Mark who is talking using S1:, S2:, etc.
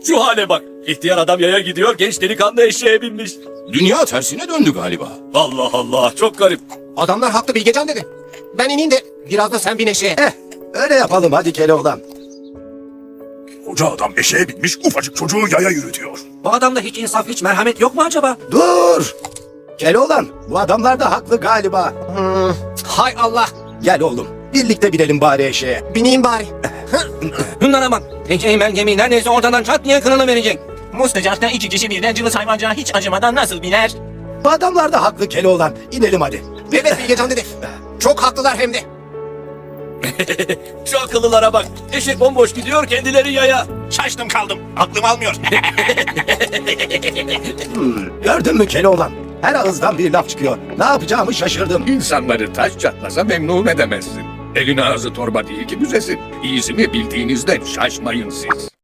S1: Şu hale bak. İhtiyar adam yaya gidiyor, genç delikanlı eşeğe binmiş.
S2: Dünya tersine döndü galiba.
S1: Allah Allah, çok garip.
S3: Adamlar haklı Bilgecan dedi. Ben ineyim de biraz da sen bin eşeğe.
S4: Öyle yapalım hadi Keloğlan.
S5: Koca adam eşeğe binmiş, ufacık çocuğu yaya yürütüyor.
S3: Bu adamda hiç insaf, hiç merhamet yok mu acaba?
S4: Dur! Keloğlan, bu adamlar da haklı galiba.
S3: Hay Allah.
S4: Gel oğlum, birlikte binelim bari eşeğe.
S3: Bineyim bari.
S6: Bunlara bak. Eceğimel gemi neredeyse ortadan çat diye kırılı verecek.
S7: Mustajap'ta iki kişi birden cılız hayvancağa hiç acımadan nasıl biner?
S4: Bu adamlar da haklı Keloğlan. İnelim hadi.
S3: Evet Bilgecan dedi. Çok haklılar hem de.
S1: Şu akıllılara bak. Eşek bomboş gidiyor, kendileri yaya.
S5: Şaştım kaldım, aklım almıyor.
S4: Gördün mü Keloğlan? Her ağızdan bir laf çıkıyor. Ne yapacağımı şaşırdım.
S8: İnsanları taş çatlasa memnun edemezsin. Elin ağzı torba değil ki büzesin. İyisini bildiğinizden şaşmayın siz.